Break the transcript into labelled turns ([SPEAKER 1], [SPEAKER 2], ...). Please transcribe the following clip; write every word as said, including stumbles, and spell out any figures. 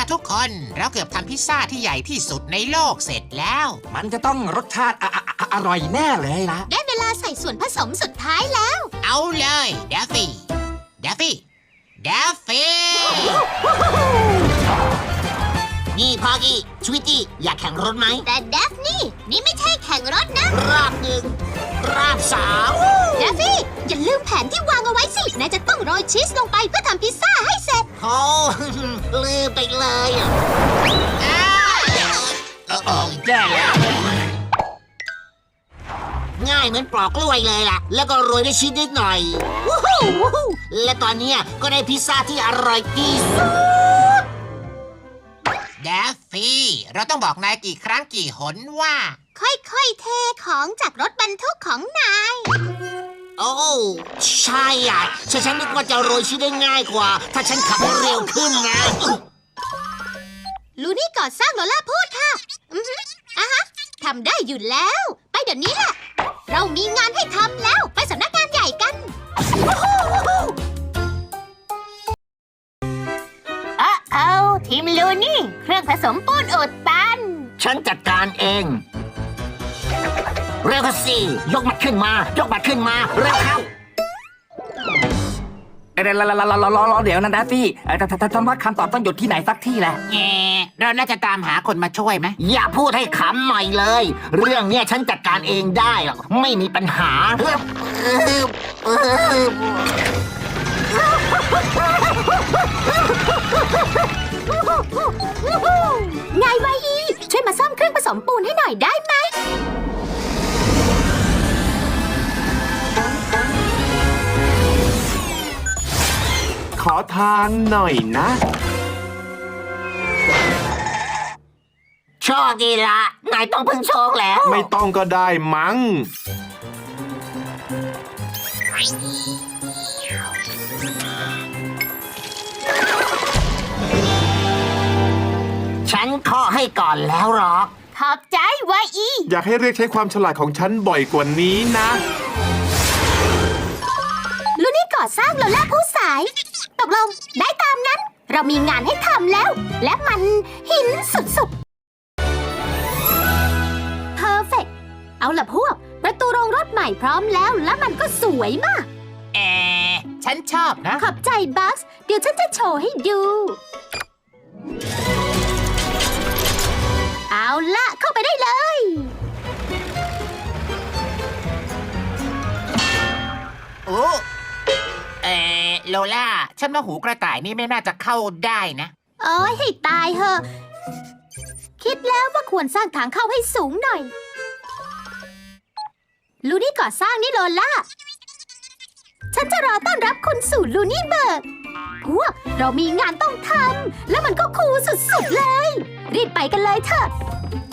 [SPEAKER 1] ทุกคนเราเกือบทำพิซซ่าที่ใหญ่ที่สุดในโลกเสร็จแล้ว
[SPEAKER 2] มันจะต้องรสชาติอออร่อยแน่เลยล่ะ
[SPEAKER 3] ได้เวลาใส่ส่วนผสมสุดท้ายแล้ว
[SPEAKER 1] เอาเลยเดฟฟี่เดฟฟี่เดฟฟี่
[SPEAKER 4] นี่พอกี้ชวิตตี้อยากแข่งรถไหม
[SPEAKER 3] แต่เดฟนี่นี่ไม่ใช่แข่งรถนะ
[SPEAKER 4] รอบหนึ่งรอบสาม
[SPEAKER 3] เดฟฟี่อย่าลืมแผนที่วางเอาไว้สินายจะต้องโรยชีสลงไปเพื่อทำพิซซ่าให้เสร็จ
[SPEAKER 4] โอ้ ลืมไปเลยอะ
[SPEAKER 2] เออเออแย่แล้ว
[SPEAKER 4] ง่ายเหมือนปลอกกล้วยเลยล่ะ แล้วก็โรยด้วยชีสนิดหน่อยวู้ฮู้วู้ฮู้และตอนเนี้ยก็ได้พิซซ่าที่อร่อยที่สุด
[SPEAKER 1] เดฟฟี่เราต้องบอกนายกี่ครั้งกี่หนว่า
[SPEAKER 3] ค่อยๆเทของจากรถบรรทุกของนาย
[SPEAKER 4] โอ้ใช่อ่ะฉันฉันนึกว่าจะโรยชีสได้ง่ายกว่า ถ้าฉันขับให้เร็วขึ้นนะ
[SPEAKER 3] ลูนี่ก่อสร้างโลล่าพูดค่ะ อือฮึอ่ะฮะทำได้อยู่แล้ว ไปเดี๋ยวนี้แหละ เรามีงานให้ทำแล้ว ไปสำนักงานใหญ่กันอะเอาทีมลูนี่ เครื่องผสมปูนอุดตัน
[SPEAKER 4] ฉันจัดการเอง เร็วเข้าสิยกมันขึ้นมา ยกมันขึ้นมา เร็วเข้า
[SPEAKER 2] เดี๋ยวรอรอรอรอเดี๋ยวนะดัฟฟี่เออแต่แต่แต่ว่าคำตอบต้องหยุดที่ไหนสักที่แหละ
[SPEAKER 1] แง่เราน่าจะตามหาคนมาช่วยไหม
[SPEAKER 4] อย่าพูดให้ขำหน่อยเลย เรื่องเนี้ยฉันจัดการเองได้หรอกไม่มีปัญหา
[SPEAKER 3] ไงวะอีช่วยมาซ่อมเครื่องผสมปูนให้หน่อยได้ไหม
[SPEAKER 5] ขอทานหน่อยนะ
[SPEAKER 4] โชคดีละนายต้องพึ่งโชคแล้ว
[SPEAKER 5] ไม่ต้องก็ได้มั้ง
[SPEAKER 4] ฉันเคาะให้ก่อนแล้วหรอก
[SPEAKER 3] ขอบใจวะอี
[SPEAKER 5] อยากให้เรียกใช้ความฉลาดของฉันบ่อยกว่านี้นะ
[SPEAKER 3] ลูนี่ก่อสร้างโลล่าผู้สาย ตกลงได้ตามนั้น เรามีงานให้ทำแล้ว และมันหินสุดๆ เพอร์เฟกเอาล่ะพวก ประตูโรงรถใหม่พร้อมแล้ว และมันก็สวยมาก
[SPEAKER 1] แอฉันชอบนะ
[SPEAKER 3] ขอบใจบัคส์เดี๋ยวฉันจะโชว์ให้ดู เอาละเข้าไปได้เลย
[SPEAKER 1] โอ้เออโลล่า ฉันว่าหูกระต่ายนี่ไม่น่าจะเข้าได้นะ
[SPEAKER 3] โอ้ยให้ตายเหอะ คิดแล้วว่าควรสร้างทางเข้าให้สูงหน่อย ลูนี่ก่อสร้างนี่โลล่า ฉันจะรอต้อนรับคุณสู่ลูนี่เบิร์ก พวกเรามีงานต้องทำ แล้วมันก็คูลสุดๆเลย รีบไปกันเลยเถอะ